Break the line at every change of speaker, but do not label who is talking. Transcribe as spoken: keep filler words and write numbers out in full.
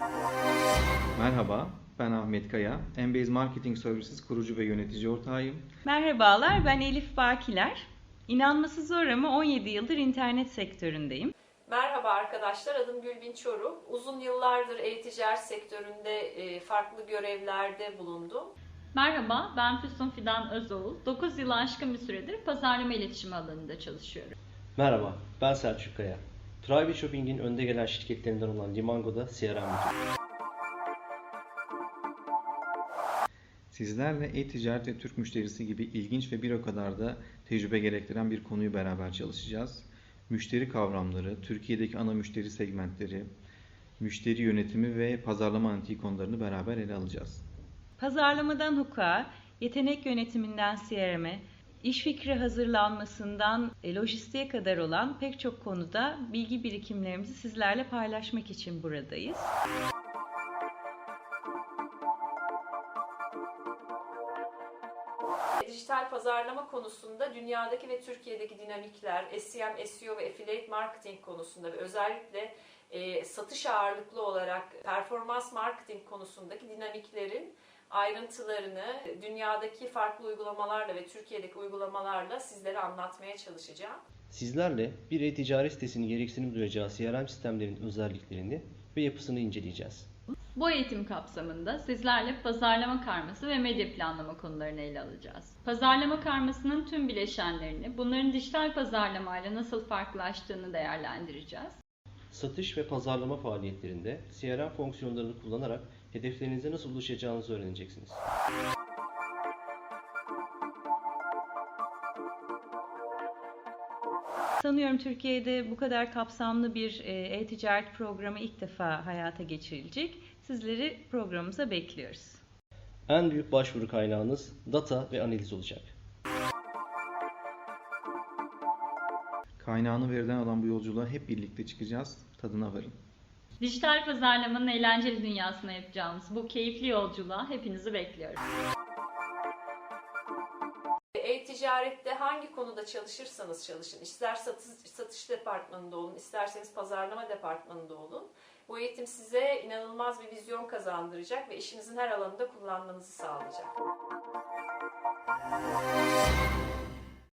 Merhaba, ben Ahmet Kaya. Embase Marketing Services kurucu ve yönetici ortağıyım.
Merhabalar, ben Elif Bakiler. İnanması zor ama on yedi yıldır internet sektöründeyim.
Merhaba arkadaşlar, adım Gülbin Çoruh. Uzun yıllardır e-ticaret sektöründe farklı görevlerde bulundum.
Merhaba, ben Füsun Fidan Özoğul. dokuz yılı aşkın bir süredir pazarlama iletişimi alanında çalışıyorum.
Merhaba, ben Selçuk Kaya. Private Shopping'in önde gelen şirketlerinden olan Limango'da C R M müdürüyüm.
Sizlerle e-ticaret ve Türk müşterisi gibi ilginç ve bir o kadar da tecrübe gerektiren bir konuyu beraber çalışacağız. Müşteri kavramları, Türkiye'deki ana müşteri segmentleri, müşteri yönetimi ve pazarlama analitik konularını beraber ele alacağız.
Pazarlamadan hukuka, yetenek yönetiminden C R M'e, iş fikri hazırlanmasından lojistiğe kadar olan pek çok konuda bilgi birikimlerimizi sizlerle paylaşmak için buradayız.
Dijital pazarlama konusunda dünyadaki ve Türkiye'deki dinamikler, S E M, S E O ve affiliate marketing konusunda ve özellikle e, satış ağırlıklı olarak performans marketing konusundaki dinamiklerin ayrıntılarını dünyadaki farklı uygulamalarla ve Türkiye'deki uygulamalarla sizlere anlatmaya çalışacağım.
Sizlerle bir e-ticaret sitesinin gereksinim duyacağı C R M sistemlerinin özelliklerini ve yapısını inceleyeceğiz.
Bu eğitim kapsamında sizlerle pazarlama karması ve medya planlama konularını ele alacağız. Pazarlama karmasının tüm bileşenlerini, bunların dijital pazarlamayla nasıl farklılaştığını değerlendireceğiz.
Satış ve pazarlama faaliyetlerinde C R M fonksiyonlarını kullanarak hedeflerinize nasıl ulaşacağınızı öğreneceksiniz.
Sanıyorum Türkiye'de bu kadar kapsamlı bir e-ticaret programı ilk defa hayata geçirilecek. Sizleri programımıza bekliyoruz.
En büyük başvuru kaynağınız data ve analiz olacak.
Kaynağını veriden alan bu yolculuğa hep birlikte çıkacağız. Tadına varın.
Dijital pazarlamanın eğlenceli dünyasına yapacağımız bu keyifli yolculuğa hepinizi bekliyoruz.
E-ticarette hangi konuda çalışırsanız çalışın, ister satış, satış departmanında olun, isterseniz pazarlama departmanında olun. Bu eğitim size inanılmaz bir vizyon kazandıracak ve işinizin her alanında kullanmanızı sağlayacak.